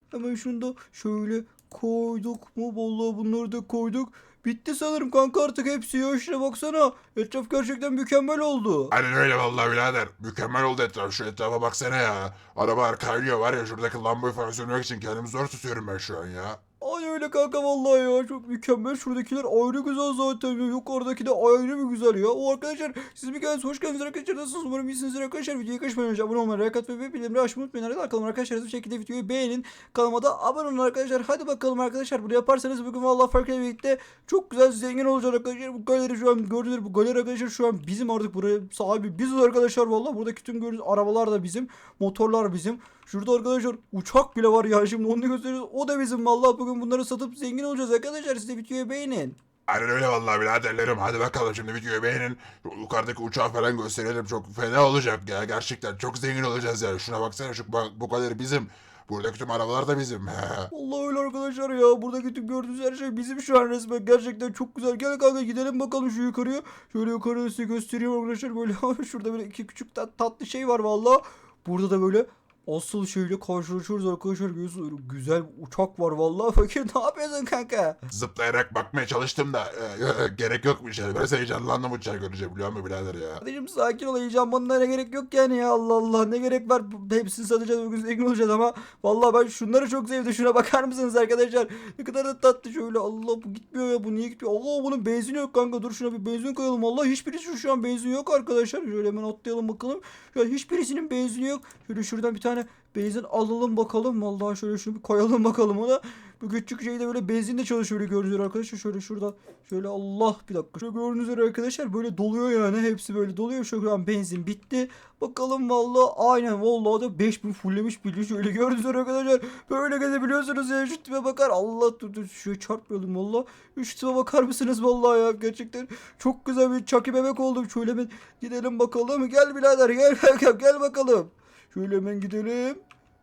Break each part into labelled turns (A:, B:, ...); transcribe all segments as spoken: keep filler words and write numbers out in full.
A: Hemen şunu da şöyle koyduk mu? Vallahi bunları da koyduk. Bitti sanırım kanka artık hepsi ya. Şuna baksana. Etraf gerçekten mükemmel oldu.
B: Aynen öyle vallahi birader. Mükemmel oldu etraf. Şu etrafa baksana ya. Arabalar kaynıyor var ya, şuradaki lambayı falan söndürmek için kendimi zor tutuyorum ben şu an ya.
A: Ay öyle kanka vallahi ya çok mükemmel. Şuradakiler ayrı güzel zaten ya. Yukarıdaki de ayrı bir güzel ya. O arkadaşlar siz bir kez hoş geldiniz arkadaşlar. Nasılsınız? Umarım iyisinizdir arkadaşlar. Videoyu kaçırmadan önce abone olmayı, like atmayı ve bildirimleri açmayı unutmayın. Hadi bakalım arkadaşlar, hızlı bir şekilde videoyu beğenin. Kanalıma da abone olun arkadaşlar. Hadi bakalım arkadaşlar. Bunu yaparsanız bugün vallahi farklı birlikte çok güzel zengin olacak arkadaşlar. Bu galeri şu an gördüğünüz bu galeri arkadaşlar şu an bizim, artık buraya sahibi biziz arkadaşlar vallahi. Buradaki tüm gördüğünüz arabalar da bizim. Motorlar bizim. Şurada arkadaşlar uçak bile var ya, şimdi onu gösteriyoruz. O da bizim vallahi, bugün bunları satıp zengin olacağız arkadaşlar. Siz de videoyu beğenin.
B: Aynen öyle vallahi biraderlerim. Hadi bakalım şimdi videoyu beğenin. Yukarıdaki uçağı falan gösterelim. Çok fena olacak ya. Gerçekten çok zengin olacağız ya. Şuna baksana, şu bu, bu kadar bizim. Buradaki tüm arabalar da bizim.
A: Vallahi öyle arkadaşlar ya. Buradaki tüm gördüğünüz her şey bizim şu an resmen. Gerçekten çok güzel. Gel kanka gidelim bakalım şu yukarıya. Şöyle yukarıya size göstereyim arkadaşlar. Böyle şurada böyle iki küçük tat, tatlı şey var vallahi. Burada da böyle asıl şeyle karşılaşıyoruz arkadaşlar. Görüyorsunuz, öyle güzel bir uçak var vallahi. Fakir ne yapıyorsun kanka?
B: Zıplayarak bakmaya çalıştım da e, e, gerek yokmuş yani. Biraz heyecanlandım uçağı görünce, biliyor musun birader ya?
A: Kardeşim sakin ol, heyecanlanmana ne gerek yok yani ya, Allah Allah ne gerek var, hepsini satacağız bugün, zengin olacağız. Ama vallahi ben şunları çok sevdim, şuna bakar mısınız arkadaşlar, ne kadar da tatlı. Şöyle Allah, bu gitmiyor ya, bu niye gitmiyor? Allah, bunun benzin yok kanka, dur şuna bir benzin koyalım. Allah, hiçbirisi şu, şu an benzin yok arkadaşlar. Şöyle hemen atlayalım bakalım. Şu an hiçbirisinin benzini yok. Şöyle şuradan bir tane benzin alalım bakalım. Vallahi şöyle şunu bir koyalım bakalım ona. Bu küçük şeyde böyle benzinle çalışıyor, öyle gördüğünüz arkadaşlar. Şöyle şuradan şöyle, Allah bir dakika. Şöyle gördüğünüz üzere arkadaşlar böyle doluyor yani. Hepsi böyle doluyor. Şu an benzin bitti. Bakalım vallahi, aynen vallahi da beş bin fulllemiş bile. Şöyle gördüğünüz üzere arkadaşlar. Böyle gezebiliyorsunuz ya. Şu tipe bakar. Allah, dur dur. Şöyle çarpmayalım valla. Şu tipe bakar mısınız vallahi ya. Gerçekten çok güzel bir çaki bebek oldum. Şöyle hemen gidelim bakalım. Gel birader gel gel, gel bakalım. Şöyle hemen gidelim.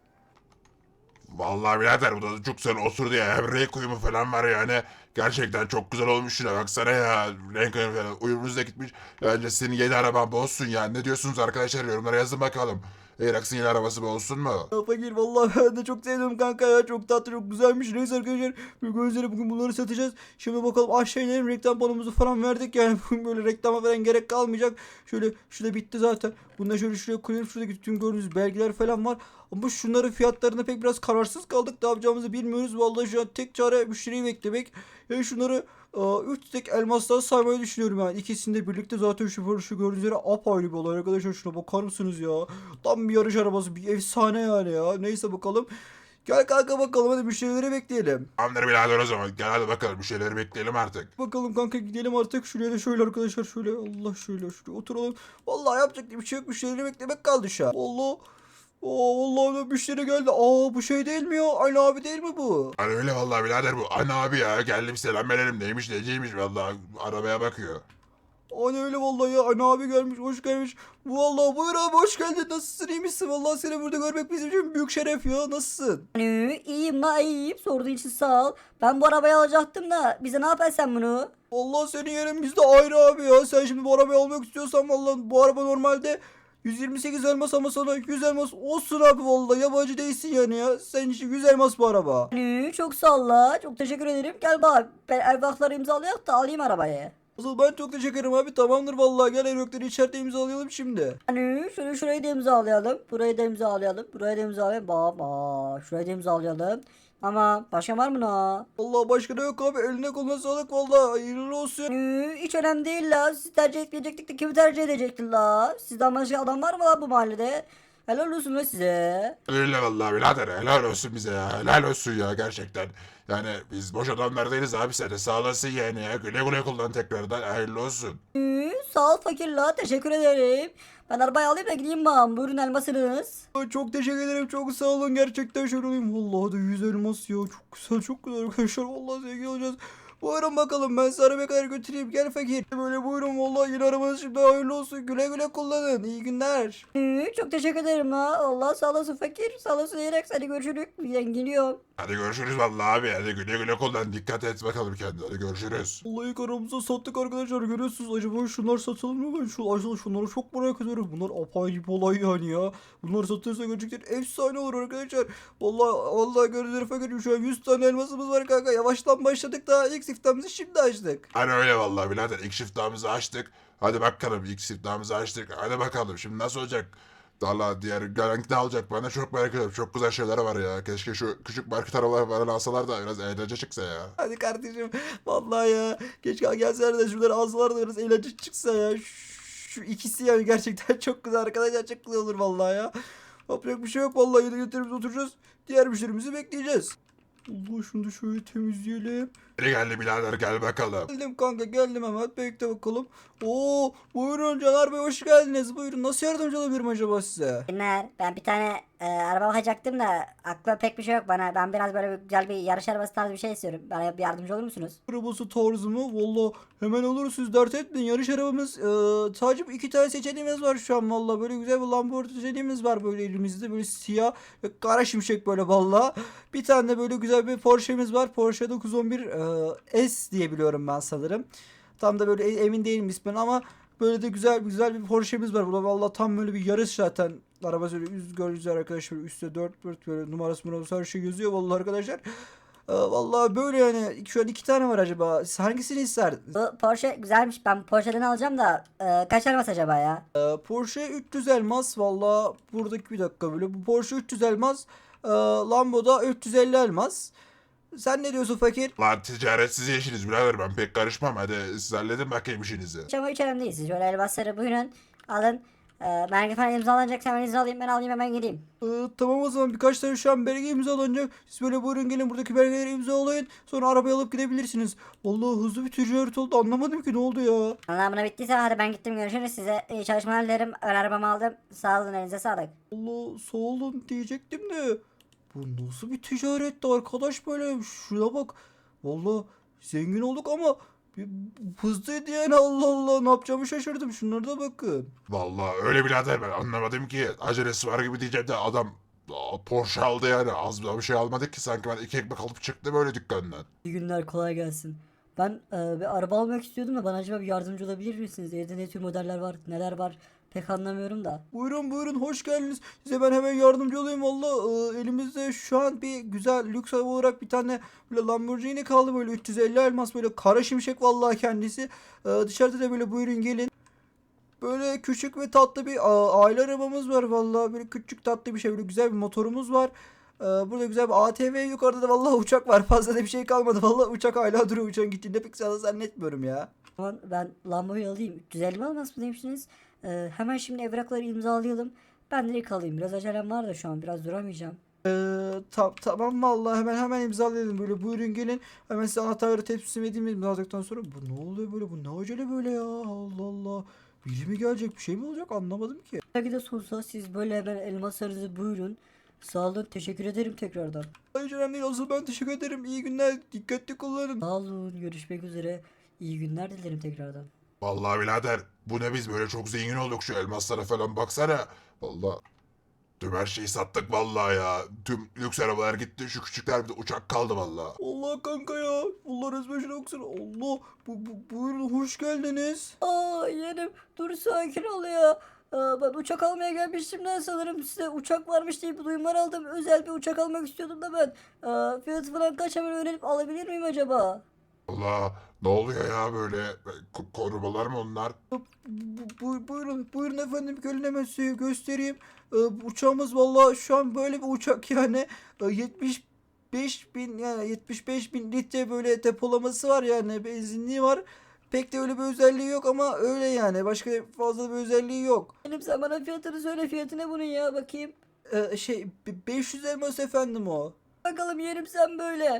B: Vallahi birader bu da çok güzel oturdu ya. Hem renk uyumu falan var yani. Gerçekten çok güzel olmuş şuna baksana ya. Renk uyumu falan. Uyumunuz da gitmiş. Bence senin yeni araban bu olsun ya. Ne diyorsunuz arkadaşlar, yorumlara yazın bakalım. Erax'ın yeni arabası bu olsun mu?
A: Ya fakir vallahi ben de çok sevdim kanka ya, çok tatlı çok güzelmiş. Neyse arkadaşlar, bugün üzere bugün bunları satacağız. Şimdi bakalım aşağı inelim, reklam panomuzu falan verdik yani bugün böyle reklama falan gerek kalmayacak. Şöyle şurada bitti zaten. Bunu da şöyle şuraya koyalım, şuradaki tüm gördüğünüz belgeler falan var. Ama şunların fiyatlarına pek biraz kararsız kaldık, ne yapacağımızı bilmiyoruz. Vallahi şu an tek çare müşteriyi beklemek. Yani şunları üç tek elmastan saymayı düşünüyorum yani. İkisini de birlikte zaten şu, şu gördüğünüz üzere apayrı bir olay arkadaşlar. Şuna bakar mısınız ya? Tam bir yarış arabası, bir efsane yani ya. Neyse bakalım. Gel kanka bakalım, hadi müşterileri bekleyelim.
B: Tamamdır birader o zaman. Gel hadi bakalım, bir şeyleri bekleyelim artık.
A: Bakalım kanka, gidelim artık. Şuraya da şöyle arkadaşlar, şöyle Allah, şöyle şuraya oturalım. Vallahi yapacak bir şey yok, müşterileri beklemek kaldı şu an. Allah. Oo, vallahi da müşteri geldi. Aa, bu şey değil mi ya? Aynı abi değil mi bu?
B: Hani öyle vallahi birader bu. Ana abi ya, geldim selam verelim, neymiş neciymiş vallahi, arabaya bakıyor.
A: Aynen öyle vallahi ya. Ana abi gelmiş, hoş gelmiş. Vallahi buyur abi, hoş geldin. Nasılsın, iyi misin? Vallahi seni burada görmek bizim için büyük şeref ya. Nasılsın?
C: Hani iyiyim la iyiyim. Sorduğun için sağ ol. Ben bu arabayı alacaktım da bize ne yaparsın sen bunu?
A: Vallahi senin yerin bizde ayrı abi ya. Sen şimdi bu arabayı almak istiyorsan vallahi bu araba normalde yüz yirmi sekiz elmas, ama sana yüz elmas olsun abi vallahi. Yabancı değilsin yani ya. Senin için yüz elmas bu araba.
C: Hani çok sağ ol la. Çok teşekkür ederim. Gel bak. Ben evrakları imzalayak da alayım arabayı.
A: Asıl ben çok teşekkür ederim abi. Tamamdır vallahi. Gel, evrakları içeride imzalayalım şimdi.
C: Hani şöyle şurayı da imzalayalım. Burayı da imzalayalım. Burayı da imzalayalım. Bak bak. Şurayı da imzalayalım. Ama başka var mı la?
A: Vallahi başka da yok abi. Eline koluna sağlık vallahi. Hayırlı olsun.
C: Hani hiç önemli değil la. Siz tercih etmeyecektik de kimi tercih edecektin la? Sizden başka adam var mı la bu mahallede? Helal olsun la size.
B: Öyle vallahi birader, helal olsun bize ya, helal olsun ya gerçekten. Yani biz boş adamlar değiliz abi, sen de sağ olasın yani ya. Güle güle kullan tekrardan, hayırlı olsun.
C: Hı, sağ ol fakir la. Teşekkür ederim. Ben arabayı alayım da gideyim bana. Buyurun elmasınız.
A: Ay, çok teşekkür ederim. Çok sağ olun. Gerçekten şöyle olayım. Vallahi da yüz elmas ya. Çok güzel, çok güzel arkadaşlar. Vallahi zengin olacağız. Buyurun bakalım, ben sizi arabaya kadar götüreyim. Gel fakir. Böyle buyurun, vallahi yeni arabanız şimdi hayırlı olsun. Güle güle kullanın. İyi günler.
C: Ee, çok teşekkür ederim la. Allah sağ olasın fakir. Sağ olasın diyerek hadi görüşürüz. Ben gidiyorum.
B: Hadi görüşürüz vallahi abi. Hadi güle güle kullan. Dikkat et bakalım kendine. Hadi görüşürüz.
A: Vallahi ilk aramızda sattık arkadaşlar, görüyorsunuz. Acaba şunlar satılır mı? Ben şu aslında şunları çok merak ediyorum. Bunlar apayrı bir olay yani ya. Bunlar satılırsa gerçekten efsane olur arkadaşlar. Vallahi vallahi görüyoruz fakir, şu an yüz tane elmasımız var kanka. Yavaştan başladık, daha ilk siftahımızı şimdi açtık.
B: Hani öyle vallahi birader. İlk siftahımızı açtık. Hadi bakalım ilk siftahımızı açtık. Hadi bakalım şimdi nasıl olacak? Valla diğer gelen ne alacak bana çok merak ediyorum. Çok güzel şeyler var ya. Keşke şu küçük market arabalar falan alsalar da biraz eğlence çıksa ya.
A: Hadi kardeşim. Vallahi ya. Keşke gelseler de şunları alsalar da biraz eğlence çıksa ya. Şu ikisi yani gerçekten çok güzel arkadaşlar. Çok güzel olur vallahi ya. Yapacak bir şey yok vallahi. Yine götürümüze oturacağız. Diğer müşterimizi bekleyeceğiz. Allah, şunu da şöyle temizleyelim.
B: Hadi geldi birader gel bakalım.
A: Geldim kanka, geldim hemen. Bekle bakalım. Oo, buyurun Caner Bey, hoş geldiniz. Buyurun, nasıl yardımcı olabilirim acaba size?
C: Günler. Ben bir tane e, araba bakacaktım da aklıma pek bir şey yok bana. Ben biraz böyle bir, güzel bir yarış arabası tarzı bir şey istiyorum. Bana bir yardımcı olur musunuz?
A: Arabası tarzı mı? Valla hemen olur, siz dert etmeyin. Yarış arabamız e, sadece iki tane seçeneğimiz var şu an valla. Böyle güzel bir Lamborghini seçeneğimiz var böyle elimizde. Böyle siyah ve kara şimşek böyle valla. Bir tane de böyle güzel bir Porsche'miz var. Porsche dokuz on bir e, S diye biliyorum ben sanırım. Tam da böyle e- emin değilim ismini ama böyle de güzel güzel bir Porsche'miz var burada. Valla tam böyle bir yarış zaten. Araba böyle üst görüyoruz arkadaşlar. Üstte dört dört böyle numarası numarası her şey yazıyor valla arkadaşlar. Ee, vallahi böyle yani, şu an iki tane var acaba. Siz hangisini isterdiniz?
C: Bu Porsche güzelmiş. Ben Porsche'den alacağım da e, kaç arabası acaba ya?
A: Ee, Porsche üç yüz elmas valla, buradaki bir dakika böyle. Bu Porsche üç yüz elmas. Ee, Lambo'da üç yüz elli elmas. Sen ne diyorsun fakir?
B: Lan ticaretsiz işiniz birader ben pek karışmam. Hadi siz halledin bakayım işinizi.
C: Hiç ama hiç önemli değil. Siz şöyle elmasları buyurun alın. E, belge falan imzalanacaksa hemen imzalayayım, ben alayım hemen gideyim.
A: Ee, tamam, o zaman birkaç tane şu an belge imzalanacak. Siz böyle buyurun gelin, buradaki belgeleri imzalayın. Sonra arabayı alıp gidebilirsiniz. Vallahi hızlı bir ticaret oldu, anlamadım ki ne oldu ya.
C: Anlamına bittiyse hadi ben gittim, görüşürüz, size iyi çalışmalar dilerim. Ön arabamı aldım. Sağ olun, elinize sağlık.
A: Allah sağ olun diyecektim de. Bu nasıl bir ticaretti arkadaş böyle? Şuna bak. Vallahi zengin olduk ama bir hızlıydı yani, Allah Allah, ne yapacağımı şaşırdım. Şunlara da bakın.
B: Vallahi öyle birader ben anlamadım ki. Acelesi var gibi diyeceğim de adam aa, Porsche aldı yani. Az bir şey almadık ki sanki ben iki ekmek alıp çıktım böyle dükkandan.
C: İyi günler, kolay gelsin. Ben e, bir araba almak istiyordum da bana acaba bir yardımcı olabilir misiniz? Evde ne tür modeller var, neler var pek anlamıyorum da.
A: Buyurun buyurun, hoş geldiniz. Size ben hemen yardımcı olayım valla. Ee, elimizde şu an bir güzel lüks araba olarak bir tane böyle Lamborghini kaldı, böyle üç yüz elli elmas, böyle kara şimşek vallahi kendisi. Ee, dışarıda da böyle buyurun gelin. Böyle küçük ve tatlı bir a- aile arabamız var vallahi, böyle küçük tatlı bir şey, böyle güzel bir motorumuz var. Ee, burada güzel bir A T V, yukarıda da vallahi uçak var. Fazla da bir şey kalmadı vallahi, uçak hala duruyor, uçağın gittiğinde pek sana zannetmiyorum ya.
C: Tamam, ben Lambo'yu alayım. üç yüz elli mi almaz mı demiştiniz? E, hemen şimdi evrakları imzalayalım. Ben direkt alayım. Biraz acelem var da şu an biraz duramayacağım.
A: Ee, tam tamam vallahi, hemen hemen imzalayalım, böyle buyurun gelin. Hemen size anahtarları teslim edeyim, imzaladıktan sonra. Bu ne oluyor böyle, bu ne acele böyle ya, Allah Allah. Biri mi gelecek, bir şey mi olacak, anlamadım ki.
C: Belki de sonsuza siz böyle hemen elmaslarınızı buyurun. Sağ olun, teşekkür ederim tekrardan.
A: Hayır önemli değil, asıl ben teşekkür ederim, iyi günler, dikkatli kullanın.
C: Sağ olun, görüşmek üzere. İyi günler dilerim tekrardan.
B: Vallahi birader bu ne biz böyle çok zengin olduk şu elmaslara falan baksana. Vallahi tüm her şeyi sattık vallahi ya. Tüm lüks arabalar gitti şu küçükler bir de uçak kaldı vallahi.
A: Allah kanka ya, Allah resmen şuna baksana, Allah, bu, bu, buyurun hoş geldiniz.
C: Aa yeğenim, dur sakin ol ya. Aa, ben uçak almaya gelmiştim de sanırım size uçak varmış diye bir duyumlar aldım. Özel bir uçak almak istiyordum da ben. Aa, fiyatı falan kaç, hemen öğrenip alabilir miyim acaba?
B: Allah ne oluyor ya böyle Ko- korumalar mı onlar?
A: Bu, bu- buyurun, buyurun efendim, gelin hemen size göstereyim. Ee, bu uçağımız vallahi şu an böyle bir uçak yani. Ee, yetmiş beş bin, yani yetmiş beş bin litre böyle depolaması var, yani benzinliği var. Pek de öyle bir özelliği yok ama öyle yani, başka fazla bir özelliği yok.
C: Benim, sen bana fiyatını söyle, fiyatı ne bunun ya, bakayım.
A: Ee, şey be- beş yüz elmas efendim o.
C: Bakalım yeğenim, sen böyle.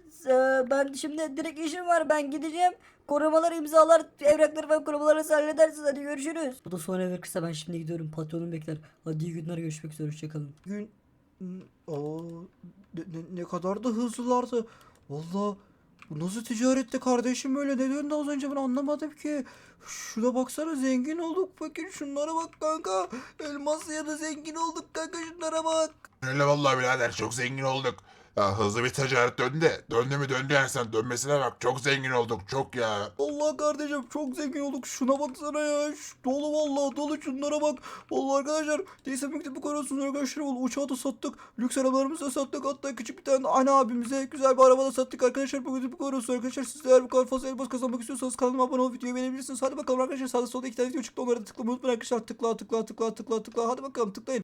C: Ee, ben şimdi direkt işim var, ben gideceğim. Korumalar imzalar, evrakları falan korumaları halledersiniz, hadi görüşürüz. Bu da son evrak kısa, ben şimdi gidiyorum, patronum bekler. Hadi iyi günler, görüşmek üzere, hoşçakalın.
A: Gün. Hmm, aa, ne, ne- ne kadar da hızlılardı. Valla Bu nasıl ticarette kardeşim öyle? Ne döndü az önce ben anlamadım ki. Şuna baksana zengin olduk. Fakir şunlara bak kanka. Elmas ya da zengin olduk kanka şunlara bak.
B: Öyle vallahi birader çok zengin olduk. Ya hızlı bir ticaret döndü de. Döndü mü döndü yani sen dönmesine bak. Çok zengin olduk çok ya.
A: Allah kardeşim çok zengin olduk. Şuna baksana ya. Şu, dolu vallahi dolu şunlara bak. Vallahi arkadaşlar. Neyse mektubu koruyorsunuz arkadaşlar. Vallahi uçağı da sattık. Lüks arabalarımızı da sattık. Hatta küçük bir tane ana abimize güzel bir araba da sattık arkadaşlar. Bu mektubu koruyorsunuz arkadaşlar. Siz de eğer bu kadar fazla elmas kazanmak istiyorsanız kanalıma abone olup videoyu beğenebilirsiniz. Hadi bakalım arkadaşlar. Sağda solda iki tane video çıktı. Onlara da tıklamayı unutmayın arkadaşlar. Tıkla tıkla tıkla tıkla tıkla. Hadi bakalım tıklayın.